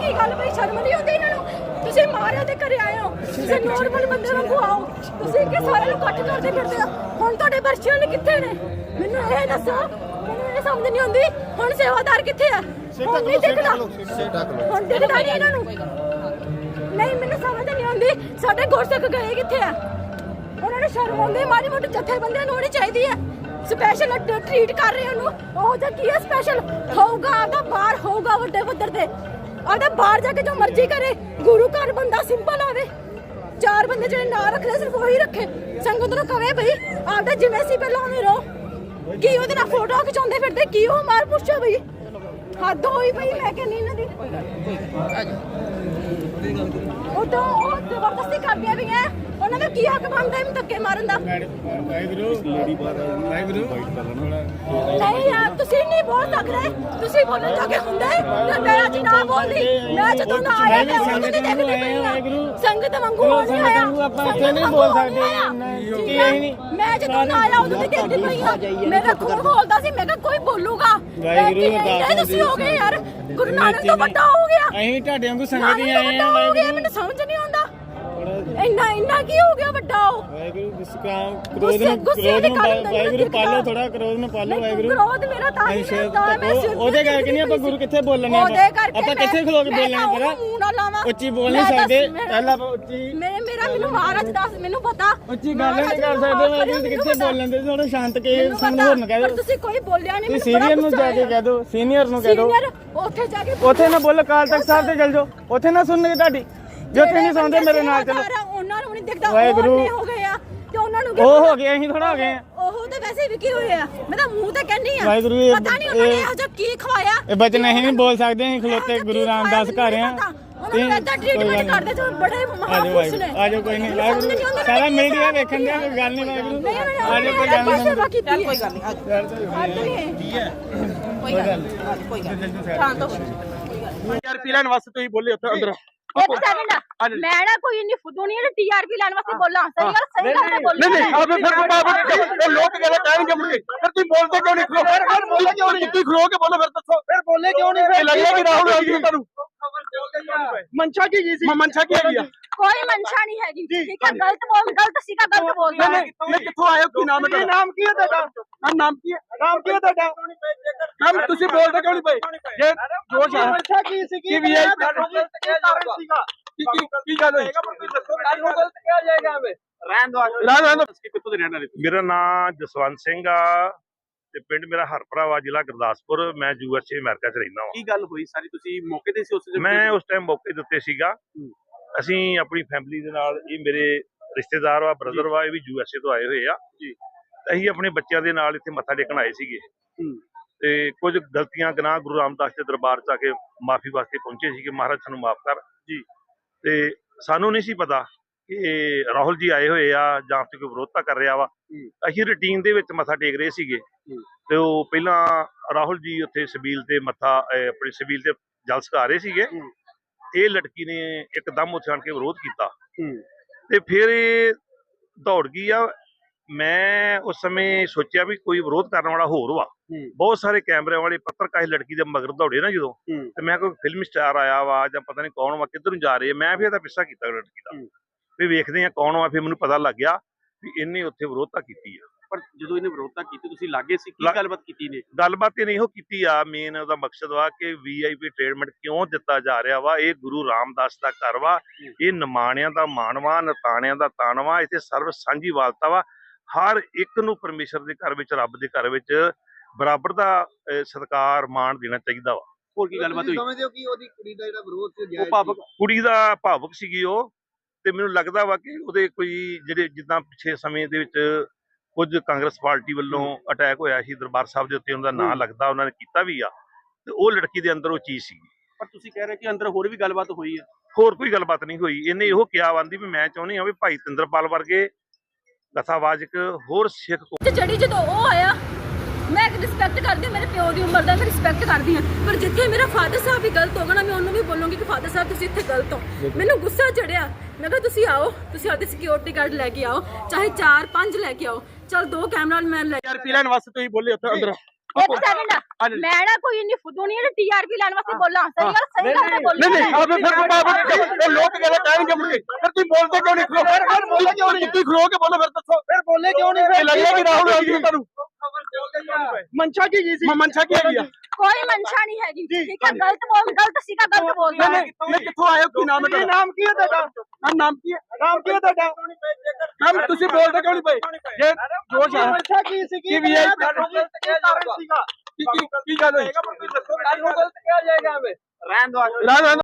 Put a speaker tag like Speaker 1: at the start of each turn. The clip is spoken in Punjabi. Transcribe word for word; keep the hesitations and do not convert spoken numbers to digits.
Speaker 1: ਕੀ ਗੱਲ ਬਈ ਸ਼ਰਮ ਨਹੀਂ ਆਉਂਦੀ ਇਹਨਾਂ ਨੂੰ? ਤੁਸੀਂ ਮਾਰਿਆ ਦੇ ਘਰੇ ਆਏ ਹੋ, ਤੁਸੀਂ ਨੋਰਮਲ ਬੰਦੇ ਵਾਂਗੂ ਆਓ, ਤੁਸੀਂ ਕਿ ਸਾਰਿਆਂ ਨੂੰ ਇਕੱਠ ਕਰਦੇ ਫਿਰਦੇ ਹੋ। ਹੁਣ ਤੁਹਾਡੇ ਬਰਸ਼ੀਆਂ ਨੇ ਕਿੱਥੇ ਨੇ ਮੈਨੂੰ ਇਹ ਦੱਸੋ, ਮੈਨੂੰ ਇਹ ਸਮਝ ਨਹੀਂ ਆਉਂਦੀ। ਹੁਣ ਸੇਵਾਦਾਰ ਕਿੱਥੇ ਆ? ਹੁਣ ਨਹੀਂ ਦਿਖਦਾ, ਹੁਣ ਦਿਖਦਾ ਨਹੀਂ ਇਹਨਾਂ ਨੂੰ। ਨਹੀਂ ਮੈਨੂੰ ਸਮਝ ਨਹੀਂ ਆਉਂਦੀ ਸਾਡੇ ਗੁਰਸਿੱਖ ਗਏ ਕਿੱਥੇ ਆ? ਉਹਨਾਂ ਨੂੰ ਸ਼ਰਮ ਆਉਂਦੀ, ਮਾੜੀ ਮੋਟੀ ਜਥੇਬੰਦੀਆਂ ਨੂੰ ਹੋਣੀ ਚਾਹੀਦੀ ਹੈ। ਸਪੈਸ਼ਲ ਟ੍ਰੀਟ ਕਰ ਰਹੇ ਉਹਨੂੰ, ਉਹ ਜਾਂ ਕੀ ਹੈ ਸਪੈਸ਼ਲ ਹੋਊਗਾ ਆਪਦਾ ਬਾਹਰ ਹੋਊਗਾ ਵੱਡੇ ਪੱਧਰ ਤੇ, ਆਪਦਾ ਬਾਹਰ ਜਾ ਕੇ ਜੋ ਮਰਜ਼ੀ ਕਰੇ। ਗੁਰੂ ਘਰ ਬੰਦਾ ਸਿੰਪਲ ਆਵੇ, ਚਾਰ ਬੰਦੇ ਜਿਹੜੇ ਨਾਂ ਰੱਖਦੇ ਸਿਰਫ ਉਹੀ ਰੱਖੇ। ਸੰਗਤ ਨੂੰ ਕਵੇ ਬਈ ਆਪਦਾ ਜਿਵੇਂ ਸੀ ਪਹਿਲਾਂ ਉਵੇਂ ਰਹੋ। ਕੀ ਉਹਦੇ ਨਾਲ ਫੋਟੋ ਖਿਚਾਉਂਦੇ ਫਿਰਦੇ, ਕੀ ਉਹ ਮਾਰ ਪੁੱਛੋ ਬਈ, ਹੱਦ ਹੋਈ ਪਈ। ਮੈਂ ਕਹਿੰਦੀ ਇਹਨਾਂ ਦੀ ਉਹ ਤਾਂ ਉਹ ਜ਼ਬਰਦਸਤੀ ਕਰਦੀਆਂ ਵੀ ਹੈ, ਉਹਨਾਂ ਦਾ ਕੀ ਹੱਕ ਬਣਦਾ ਇਹਨੂੰ ਧੱਕੇ ਮਾਰਨ ਦਾ? ਨਹੀਂ ਯਾਰ ਤੁਸੀਂ ਨਹੀਂ ਬੋਲ ਸਕਦੇ, ਤੁਸੀਂ ਬੋਲਣ ਜੋਗੇ ਹੁੰਦੇ ਤੇ ਮੈਂ ਅੱਜ ਨਾ ਬੋਲਦੀ। ਮੈਂ ਜਦੋਂ ਨਾ ਆਇਆ ਮੈਂ ਉਦੋਂ ਦੀ ਦੇਖਦੀ ਪਈ ਹਾਂ, ਸੰਗਤ ਵਾਂਗੂ ਹੋ ਨਹੀਂ ਆਇਆ, ਆਪਾਂ ਇੱਥੇ ਨਹੀਂ ਬੋਲ ਸਕਦੇ। ਮੈਂ ਜਦੋਂ ਨਾ ਆਇਆ ਉਦੋਂ ਦੀ ਦੇਖਦੀ ਪਈ ਹਾਂ, ਮੇਰਾ ਖੂਨ ਬੋਲਦਾ ਸੀ। ਮੈਂ ਕਿਹਾ ਕੋਈ ਬੋਲੂਗਾ, ਵਾਹਿਗੁਰੂ ਤੁਸੀਂ ਹੋ ਗਏ ਯਾਰ, ਗੁਰੂ ਨਾਨਕ ਤੋਂ ਵੱਡਾ ਹੋ ਗਿਆ।
Speaker 2: ਅਸੀਂ ਤੁਹਾਡੇ ਵਾਂਗੂ ਸੰਗਤ ਹੀ ਆਏ ਆ,
Speaker 1: ਵਾਹਿਗੁਰੂ ਮੈਨੂੰ ਸਮਝ ਨਹੀਂ ਆਉਂਦਾ ਇੰਨਾ ਇੰਨਾ ਕੀ ਹੋ ਗਿਆ ਵੱਡਾ? ਉਹ
Speaker 2: ਵਾਹਿਗੁਰੂ ਗੁੱਸਾ ਕ੍ਰੋਧ ਨੂੰ ਕ੍ਰੋਧ ਨੂੰ ਵਾਹਿਗੁਰੂ ਪਾਲੋ, ਥੋੜਾ ਕ੍ਰੋਧ ਨੂੰ ਪਾਲੋ ਵਾਹਿਗੁਰੂ।
Speaker 1: ਕ੍ਰੋਧ ਮੇਰਾ ਤਾਂ ਹੀ ਹੁੰਦਾ ਮੈਂ
Speaker 2: ਉਹਦੇ ਕਰਕੇ ਨਹੀਂ ਆਪਾਂ ਗੁਰੂ ਕਿੱਥੇ ਬੋਲਣੇ ਆਪਾਂ, ਕਿੱਥੇ ਖਲੋ ਕੇ ਬੋਲਣੇ ਪਰਾ? ਉੱਚੀ ਬੋਲ ਨਹੀਂ ਸਕਦੇ, ਪਹਿਲਾਂ ਆਪਾਂ ਉੱਚੀ
Speaker 1: ਮੇਰੇ ਮੇਰਾ ਮੈਨੂੰ ਮਹਾਰਾਜ ਦੱਸ, ਮੈਨੂੰ ਪਤਾ
Speaker 2: ਉੱਚੀ ਗੱਲ ਨਹੀਂ ਕਰ ਸਕਦੇ ਵਾਹਿਗੁਰੂ, ਕਿੱਥੇ ਬੋਲਣ ਦੇ ਥੋੜਾ ਸ਼ਾਂਤ ਕੇ ਸਾਨੂੰ ਹੋਰ ਨਾ ਕਹਿ ਦਿਓ।
Speaker 1: ਤੁਸੀਂ ਕੋਈ ਬੋਲਿਆ ਨਹੀਂ,
Speaker 2: ਸੀਨੀਅਰ ਨੂੰ ਜਾ ਕੇ ਕਹਿ ਦਿਓ, ਸੀਨੀਅਰ ਨੂੰ ਕਹਿ ਦਿਓ,
Speaker 1: ਉੱਥੇ ਜਾ ਕੇ
Speaker 2: ਉੱਥੇ ਨਾ ਬੋਲੋ, ਅਕਾਲ ਤਖਤ ਸਾਹਿਬ ਤੇ ਚਲ ਜਾਓ, ਉੱਥੇ ਨਾ ਸੁਣਨਗੇ ਤੁਹਾਡੀ। ਜੇ ਉੱਥੇ ਨਹੀਂ ਸੁਣਦੇ ਮੇਰੇ ਨਾਲ ਚਲੋ।
Speaker 1: ਉਹਨਾਂ ਨੂੰ ਨਹੀਂ ਦਿਖਦਾ ਵਾਹਿਗੁਰੂ ਹੋ ਗਏ ਆ ਤੇ ਉਹਨਾਂ ਨੂੰ
Speaker 2: ਉਹ ਹੋ ਗਏ, ਅਸੀਂ ਥੋੜਾ ਹੋ ਗਏ ਆ।
Speaker 1: ਉਹ ਤਾਂ ਵੈਸੇ ਵੀ ਕੀ ਹੋਇਆ, ਮੈਂ ਤਾਂ ਮੂੰਹ ਤੇ ਕਹਿੰਦੀ ਆ
Speaker 2: ਵਾਹਿਗੁਰੂ।
Speaker 1: ਪਤਾ ਨਹੀਂ ਉਹਨਾਂ ਨੇ ਇਹੋ ਜਿਹਾ ਕੀ ਖਵਾਇਆ।
Speaker 2: ਇਹ ਬਚਨ ਅਸੀਂ ਨਹੀਂ ਬੋਲ ਸਕਦੇ, ਅਸੀਂ ਖਲੋਤੇ ਗੁਰੂ ਰਾਮਦਾਸ ਘਰ ਆ।
Speaker 1: ਉਹਨਾਂ ਨੂੰ ਐਦਾਂ ਟ੍ਰੀਟਮੈਂਟ ਕਰਦੇ ਤੇ ਬੜੇ ਮਹਾਪੁਰਸ਼ ਨੇ।
Speaker 2: ਆਜੋ ਕੋਈ ਨਹੀਂ ਵਾਹਿਗੁਰੂ, ਸਾਰਾ ਮੀਡੀਆ ਵੇਖਣ ਦੇ, ਕੋਈ ਗੱਲ ਨਹੀਂ ਵਾਹਿਗੁਰੂ। ਆਜੋ ਕੋਈ ਗੱਲ ਨਹੀਂ,
Speaker 1: ਕੋਈ ਗੱਲ ਨਹੀਂ
Speaker 2: ਕੀ ਹੈ ਕੋਈ ਗੱਲ ਨਹੀਂ, ਕੋਈ ਗੱਲ ਨਹੀਂ ਸ਼ਾਂਤ ਹੋ। ਯਾਰ ਪੀ ਲੈਣ ਵਾਸਤੇ ਤੁਸੀਂ ਬੋਲੇ ਉੱਥੇ ਅੰਦਰ।
Speaker 1: ਇੱਕ ਸੈਕਿੰਡ, ਮੈਂ ਨਾ ਕੋਈ ਇੰਨੀ ਫੁੱਦੂ ਨਹੀਂ ਜਿਹੜੀ ਟੀਆਰਪੀ ਲੈਣ ਵਾਸਤੇ ਬੋਲਾਂ। ਸਹੀ ਗੱਲ ਸਹੀ ਗੱਲ ਬੋਲਣੀ।
Speaker 2: ਨਹੀਂ ਨਹੀਂ ਆਪੇ ਫਿਰ ਉਹ ਲੋਕ ਕਹਿੰਦੇ ਕਹਿਣਗੇ ਮੁੜ ਕੇ, ਫਿਰ ਤੁਸੀਂ ਬੋਲਦੇ ਕਿਉਂ ਨਹੀਂ? ਖਲੋ ਫਿਰ ਬੋਲੇ ਕਿਉਂ ਨਹੀਂ? ਤੁਸੀਂ ਖਲੋ ਕੇ ਬੋਲੋ, ਫਿਰ ਦੱਸੋ ਫਿਰ ਬੋਲੇ ਕਿਉਂ ਨਹੀਂ? ਫਿਰ ਲੱਗਿਆ ਕਿ ਰਾਹੁਲ ਗਾਂਧੀ ਤੁਹਾਨੂੰ ਮਨਸ਼ਾ ਕੀ ਜੀ ਸੀ? ਮਨਸ਼ਾ ਕੀ ਹੈਗੀ ਆ?
Speaker 1: ਕੋਈ ਮਨਸ਼ਾ ਨਹੀਂ ਹੈਗੀ, ਠੀਕ ਹੈ? ਗਲਤ ਬੋਲ, ਗਲਤ ਸੀਗਾ, ਗਲਤ ਬੋਲਦਾ।
Speaker 2: ਨਹੀਂ ਨਹੀਂ ਕਿੱਥੋਂ ਆਏ ਹੋ? ਕੀ ਨਾਮ ਹੈ? ਨਾਮ ਕੀ ਹੈ ਤੁਹਾਡਾ? ਨਾਮ ਕੀ ਹੈ? ਨਾਮ ਕੀ ਹੈ ਤੁਹਾਡਾ? ਨਾਮ ਤੁਸੀਂ ਬੋਲਦੇ ਕਿਉਂ ਨਹੀਂ ਪਏ? ਜੇ ਜੋਸ਼ ਆ ਮਨਸ਼ਾ ਕੀ ਸੀ? ਕੀ ਵੀ ਹੈ ਸੀਗਾ? ਕੀ ਕੀ ਗੱਲ ਹੋਈ? ਦੱਸੋ ਕੱਲ ਨੂੰ ਗਲਤ ਕਿਹਾ ਜਾਏਗਾ। ਹਮੇ ਰਹਿਣ ਦੋ, ਰਹਿਣ ਦੋ। ਕਿੱਥੋਂ ਦੇ ਰਹਿਣ ਵਾਲੇ?
Speaker 3: ਮੇਰਾ ਨਾਮ ਜਸਵੰਤ ਸਿੰਘ ਆ ਤੇ ਪਿੰਡ ਮੇਰਾ ਹਰਪਰਾ ਵਾ, ਜ਼ਿਲ੍ਹਾ ਗੁਰਦਾਸਪੁਰ। ਮੈਂ ਯੂ ਐਸ ਏ ਅਮਰੀਕਾ ਚ ਰਹਿੰਦਾ ਵਾਂ।
Speaker 2: ਕੀ ਗੱਲ ਹੋਈ ਸਾਰੀ? ਤੁਸੀਂ ਮੌਕੇ ਤੇ ਸੀ ਉਸ ਵੇਲੇ?
Speaker 3: ਮੈਂ ਉਸ ਟਾਈਮ ਮੌਕੇ ਦੇ ਉੱਤੇ ਸੀਗਾ। ਅਸੀਂ ਆਪਣੀ ਫੈਮਿਲੀ ਦੇ ਨਾਲ, ਇਹ ਮੇਰੇ ਰਿਸ਼ਤੇਦਾਰ ਵਾ, ਬ੍ਰਦਰ ਵਾ, ਇਹ ਵੀ ਯੂ ਐਸ ਏ ਤੋਂ ਆਏ ਹੋਏ ਆ ਜੀ। ਅਸੀਂ ਆਪਣੇ ਬੱਚਿਆਂ ਦੇ ਨਾਲ ਇੱਥੇ ਮੱਥਾ ਟੇਕਣ ਆਏ ਸੀਗੇ ਤੇ ਕੁਝ ਗਲਤੀਆਂ ਗੁਨਾਹ ਗੁਰੂ ਰਾਮਦਾਸ ਦੇ ਦਰਬਾਰ ਚ ਆ ਕੇ ਮਾਫੀ ਵਾਸਤੇ ਪਹੁੰਚੇ ਸੀਗੇ। ਮਹਾਰਾਜ ਸਾਨੂੰ ਮਾਫ ਕਰ ਜੀ। ਤੇ ਸਾਨੂੰ ਨਹੀਂ ਸੀ ਪਤਾ ਕਿ ਰਾਹੁਲ ਜੀ ਆਏ ਹੋਏ ਆ ਜਾਂ ਫਿਰ ਕੋਈ ਵਿਰੋਧਤਾ ਕਰ ਰਿਹਾ ਵਾ। ਅਸੀਂ ਰੂਟੀਨ ਦੇ ਵਿੱਚ ਮੱਥਾ ਟੇਕ ਰਹੇ ਸੀਗੇ ਤੇ ਉਹ ਪਹਿਲਾਂ ਰਾਹੁਲ ਜੀ ਉੱਥੇ ਸਬੀਲ ਤੇ ਮੱਥਾ ਆਪਣੀ ਸਬੀਲ ਤੇ ਜਲ ਸਕਾ ਰਹੇ ਸੀਗੇ। ਇਹ ਲੜਕੀ ਨੇ ਇੱਕਦਮ ਉੱਥੇ ਆਣ ਕੇ ਵਿਰੋਧ ਕੀਤਾ ਤੇ ਫਿਰ ਇਹ ਦੌੜ ਗਈ ਆ। ਮੈਂ ਉਸ ਸਮੇਂ ਸੋਚਿਆ ਵੀ ਕੋਈ ਵਿਰੋਧ ਕਰਨ ਵਾਲਾ ਹੋਰ ਵਾ। ਬਹੁਤ ਸਾਰੇ ਕੈਮਰਿਆਂ ਵਾਲੇ ਪੱਤਰਕਾਰ ਇਸ ਲੜਕੀ ਦੇ ਮਗਰ ਦੌੜੇ ਨਾ ਜਦੋਂ, ਤੇ ਮੈਂ ਕੋਈ ਫਿਲਮ ਸਟਾਰ ਆਇਆ ਵਾ ਜਾਂ ਪਤਾ ਨਹੀਂ ਕੌਣ ਵਾ, ਕਿੱਧਰ ਨੂੰ ਜਾ ਰਹੇ ਆ। ਮੈਂ ਫਿਰ ਇਹਦਾ ਪਿੱਛਾ ਕੀਤਾ ਲੜਕੀ ਦਾ ਵੀ ਵੇਖਦੇ ਆ ਕੌਣ ਵਾ। ਫਿਰ ਮੈਨੂੰ ਪਤਾ ਲੱਗ ਗਿਆ ਵੀ ਇਹਨੇ ਉੱਥੇ ਵਿਰੋਧਤਾ ਕੀਤੀ ਆ।
Speaker 2: ਪਰ ਜਦੋਂ ਇਹਨੇ ਵਿਰੋਧਤਾ ਕੀਤੀ ਤੁਸੀਂ ਲਾਗੇ ਸੀ, ਕੀ ਗੱਲਬਾਤ ਕੀਤੀ ਨੇ?
Speaker 3: ਗੱਲਬਾਤ ਇਹਨੇ ਇਹੋ ਕੀਤੀ ਆ, ਮੇਨ ਉਹਦਾ ਮਕਸਦ ਵਾ ਕਿ ਵੀ ਆਈ ਪੀ ਟ੍ਰੀਟਮੈਂਟ ਕਿਉਂ ਦਿੱਤਾ ਜਾ ਰਿਹਾ ਵਾ। ਇਹ ਗੁਰੂ ਰਾਮਦਾਸ ਦਾ ਘਰ ਵਾ, ਇਹ ਨਿਮਾਣਿਆਂ ਦਾ ਮਾਣਵਾ, ਨਤਾਣਿਆਂ ਦਾ ਤਾਣਵਾ, ਇੱਥੇ ਸਰਵ ਸਾਂਝੀ ਵਾਲਤਾ ਵਾ। ਹਰ ਇੱਕ ਨੂੰ ਪਰਮੇਸ਼ਰ ਦੇ ਘਰ ਵਿੱਚ, ਰੱਬ ਦੇ ਘਰ ਵਿੱਚ ਬਰਾਬਰ ਦਾ ਸਤਿਕਾਰ ਮਾਣ ਦੇਣਾ ਚਾਹੀਦਾ ਵਾ।
Speaker 2: ਹੋਰ ਕੀ ਗੱਲਬਾਤ ਹੋਈ?
Speaker 4: ਸਮਝਦੇ ਹੋ ਕਿ ਉਹਦੀ ਕੁੜੀ ਦਾ ਜਿਹੜਾ ਵਿਰੋਧ ਸੀ,
Speaker 3: ਉਹ ਭਾਵਕ ਕੁੜੀ ਦਾ ਭਾਵਕ ਸੀਗੀ ਉਹ, ਤੇ ਮੈਨੂੰ ਲੱਗਦਾ ਵਾ ਕਿ ਉਹਦੇ ਕੋਈ ਜਿਹੜੇ ਜਿੱਦਾਂ ਪਿਛੇ ਸਮੇਂ ਦੇ ਵਿੱਚ ਕੁਝ ਕਾਂਗਰਸ ਪਾਰਟੀ ਵੱਲੋਂ ਅਟੈਕ ਹੋਇਆ ਸੀ ਦਰਬਾਰ ਸਾਹਿਬ ਦੇ ਉੱਤੇ, ਉਹਨਾਂ ਦਾ ਨਾਂ ਲੱਗਦਾ, ਉਹਨਾਂ ਨੇ ਕੀਤਾ ਵੀ ਆ, ਤੇ ਉਹ ਲੜਕੀ ਦੇ ਅੰਦਰ ਉਹ ਚੀਜ਼ ਸੀਗੀ।
Speaker 2: ਪਰ ਤੁਸੀਂ ਕਹਿ ਰਹੇ ਕਿ ਅੰਦਰ ਹੋਰ ਵੀ ਗੱਲਬਾਤ ਹੋਈ ਆ?
Speaker 3: ਹੋਰ ਕੋਈ ਗੱਲਬਾਤ ਨਹੀਂ ਹੋਈ। ਇਹਨੇ ਇਹੋ ਕਿਹਾ ਆਂਦੀ ਵੀ ਮੈਂ ਚਾਹੁੰਦੀ ਹਾਂ ਵੀ ਭਾਈ ਤਿੰਦਰਪਾਲ ਵਰਗੇ ਕਥਾਵਾਚਕ ਹੋਰ ਸਿੱਖ
Speaker 1: ਜਿਹੜੀ ਜਦੋਂ ਉਹ ਆਇਆ, ਮੈਂ ਰਿਸਪੈਕਟ ਕਰਦੀ, ਮੇਰੇ ਪਿਓ ਦੀ ਉਮਰ ਦਾ ਮੈਂ ਰਿਸਪੈਕਟ ਕਰਦੀ ਹਾਂ, ਪਰ ਜਿੱਥੇ ਮੇਰਾ ਫਾਦਰ ਸਾਹਿਬ ਵੀ ਗਲਤ ਹੋਗਾ ਨਾ, ਮੈਂ ਉਹਨੂੰ ਵੀ ਬੋਲੂੰਗੀ ਕਿ ਫਾਦਰ ਸਾਹਿਬ ਤੁਸੀਂ ਇੱਥੇ ਗਲਤ ਹੋ। ਮੈਨੂੰ ਗੁੱਸਾ ਚੜਿਆ, ਮੈਂ ਕਿਹਾ ਤੁਸੀਂ ਆਓ, ਤੁਸੀਂ ਆਪਣੀ ਸਿਕਿਉਰਿਟੀ ਗਾਰਡ ਲੈ ਕੇ ਆਓ, ਚਾਹੇ ਚਾਰ ਪੰਜ ਲੈ ਕੇ ਆਓ, ਚਲ ਦੋ ਕੈਮਰਾਮੈਨ ਲੈ ਕੇ।
Speaker 2: ਯਾਰ ਪੀ ਲੈਣ ਵਾਸਤੇ ਤੁਸੀਂ ਬੋਲੇ ਉੱਥੇ ਅੰਦਰ।
Speaker 1: ਇੱਕ ਸੈਕਿੰਡ ਮੈਂ ਨਾ ਕੋਈ ਇੰਨੀ ਫੁੱਦੂ ਨਹੀਂ ਹੈ ਟੀਆਰਪੀ ਲੈਣ ਵਾਸਤੇ ਬੋਲਾਂ ਸਹੀ ਗੱਲ ਸਹੀ ਗੱਲ ਤੇ ਬੋਲੀ
Speaker 2: ਨਹੀਂ ਨਹੀਂ ਆਪ ਫਿਰ ਬਾਬਾ ਇਹ ਲੋਕ ਕਹਿੰਦੇ ਕਹਿਣਗੇ ਮੁੜ ਕੇ ਫਿਰ ਤੁਸੀਂ ਬੋਲਦੇ ਕਿਉਂ ਨਹੀਂ ਖਲੋ ਫਿਰ ਬੋਲੇ ਕਿਉਂ ਨਹੀਂ ਤੁਸੀਂ ਖਲੋ ਕੇ ਬੋਲੋ ਫਿਰ ਦੱਸੋ ਫਿਰ ਬੋਲੇ ਕਿਉਂ ਨਹੀਂ ਫਿਰ ਲੱਗਿਆ ਕਿ ਰਾਹੁਲ ਗਾਂਧੀ ਤੁਹਾਨੂੰ ਮਨਸ਼ਾ ਕੀ ਜੀ ਸੀ ਮਨਸ਼ਾ ਕੀ ਹੈਗੀ ਆ
Speaker 1: ਕੋਈ ਮਨਸ਼ਾ ਨਹੀਂ ਹੈਗੀ ਠੀਕ ਹੈ ਗਲਤ ਬੋਲ ਗਲਤ ਸੀਗਾ ਗਲਤ ਬੋਲਦਾ
Speaker 2: ਨਹੀਂ ਨਹੀਂ ਕਿੱਥੋਂ ਆਏ ਹੋ ਕੀ ਨਾਮ ਹੈ ਤੁਹਾਡਾ ਨਾਮ ਕੀ ਹੈ ਤੁਹਾਡਾ ਨਾਮ ਕੀ ਹੈ ਨਾਮ ਕੀ ਹੈ ਤੁਹਾਡਾ ਮੈਮ ਤੁਸੀਂ ਬੋਲਦੇ ਕਿਉਂ ਨਹੀਂ ਪਏ ਜੇ ਜੋਸ਼ ਹੈ ਮਨਸ਼ਾ ਕੀ ਸੀ ਕੀ ਵੀ ਕਾਰਨ ਸੀਗਾ ਕੀ ਕੀ ਕੀ ਗੱਲ ਹੋਈ ਦੱਸੋ ਕੱਲ ਨੂੰ ਗਲਤ ਕਿਹਾ ਜਾਏਗਾ ਹਮੇ ਰਹਿਣ ਦੋ ਰਹਿਣ